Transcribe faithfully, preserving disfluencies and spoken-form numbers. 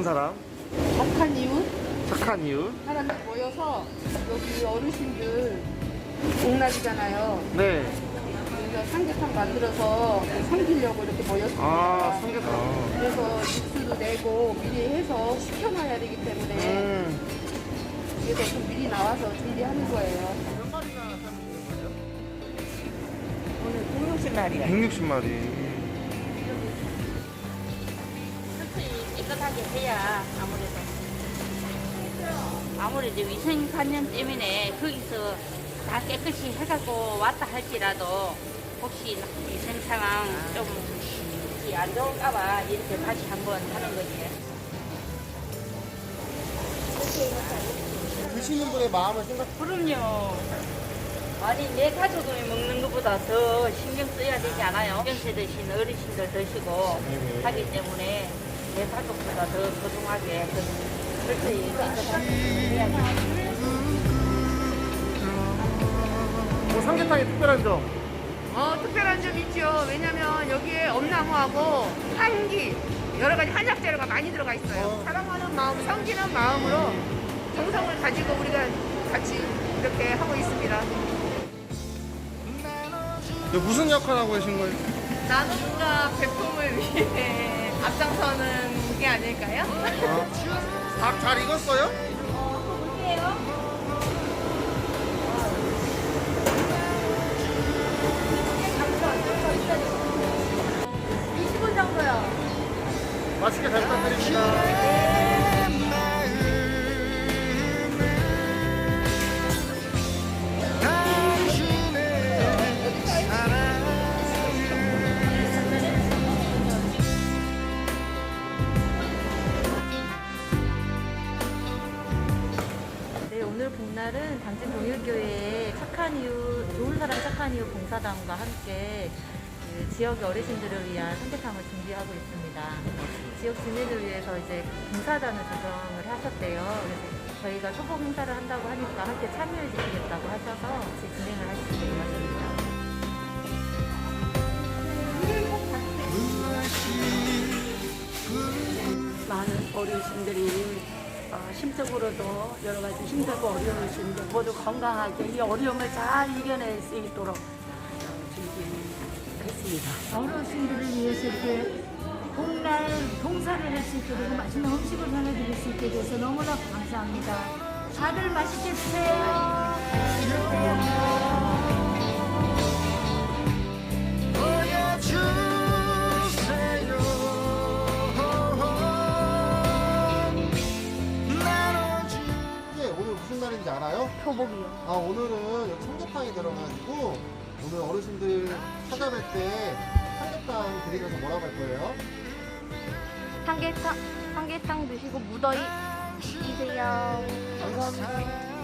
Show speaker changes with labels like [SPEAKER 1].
[SPEAKER 1] 사람,
[SPEAKER 2] 착한 이웃
[SPEAKER 1] 착한 이웃.
[SPEAKER 2] 사람들 모여서 여기 어르신들 복날이잖아요.
[SPEAKER 1] 네.
[SPEAKER 2] 그래서 삼계탕 만들어서 섬기려고 이렇게 모였습니다.
[SPEAKER 1] 아, 삼계탕.
[SPEAKER 2] 그래서 육수도 내고 미리 해서 식혀놔야 되기 때문에
[SPEAKER 1] 음.
[SPEAKER 2] 그래서 좀 미리 나와서 준비하는 거예요.
[SPEAKER 1] 몇 마리나 삶으시는 거예요?
[SPEAKER 2] 오늘 백육십 마리야.
[SPEAKER 1] 백육십 마리.
[SPEAKER 3] 철저히 깨끗하게 해야 아무래도 아무래도 위생관념 때문에 거기서 다 깨끗이 해갖고 왔다 할지라도 혹시 위생 상황 좀 안 좋을까봐 이렇게 다시 한번 하는 거지.
[SPEAKER 1] 드시는 분의 마음을 생각.
[SPEAKER 3] 그럼요. 아니 내 가족이 먹는 것보다 더 신경 써야 되지 않아요? 연세 드신 어르신들 드시고
[SPEAKER 1] 네네.
[SPEAKER 3] 하기 때문에 내 가족보다 더 소중하게 철저히 깨끗하게 해야지.
[SPEAKER 1] 뭐 삼계탕의 특별한 점.
[SPEAKER 2] 어, 특별한 점 있죠. 왜냐면 여기에 엄나무하고 향기, 여러 가지 한약 재료가 많이 들어가 있어요.
[SPEAKER 1] 어.
[SPEAKER 2] 사랑하는 마음, 섬기는 마음으로 정성을 가지고 우리가 같이 이렇게 하고 있습니다.
[SPEAKER 1] 이거 무슨 역할 하고 계신 거예요?
[SPEAKER 2] 나눔과 배품을 위해 앞장서는 게 아닐까요?
[SPEAKER 1] 닭 잘 익었어요?
[SPEAKER 2] 이십 분 정도요.
[SPEAKER 1] 맛있게 잘 부탁드립니다.
[SPEAKER 4] 네, 오늘 복날은 당진 동일교회의 착한 이웃, 좋은 사람 착한 이웃 봉사단과 함께 그 지역 어르신들을 위한 삼계탕을 준비하고 있습니다. 지역 주민을 위해서 이제 봉사단을 조성을 하셨대요. 그래서 저희가 초보 행사를 한다고 하니까 함께 참여해 주시겠다고 하셔서 같이 진행을 하시게 되었습니다.
[SPEAKER 5] 많은 어르신들이 어, 심적으로도 여러 가지 힘들고 어려우신데 모두 건강하게 이 어려움을 잘 이겨낼 수 있도록 어, 준비했습니다.
[SPEAKER 6] 어르신들을 위해서 이렇게 복날 봉사를 할 수 있게 되고 맛있는 음식을 전해드릴 수 있게 돼서 너무나 감사합니다. 다들 맛있게 드세요.
[SPEAKER 1] 이게 오늘 무슨 날인지 알아요?
[SPEAKER 4] 표복이요.
[SPEAKER 1] 아, 오늘은 여기 삼계탕이 들어가지고 오늘 어르신들 찾아뵐 때 삼계탕 드리면서 뭐라고 할 거예요?
[SPEAKER 4] 삼계탕, 삼계탕 드시고 무더위 이세요.
[SPEAKER 1] 감사합니다.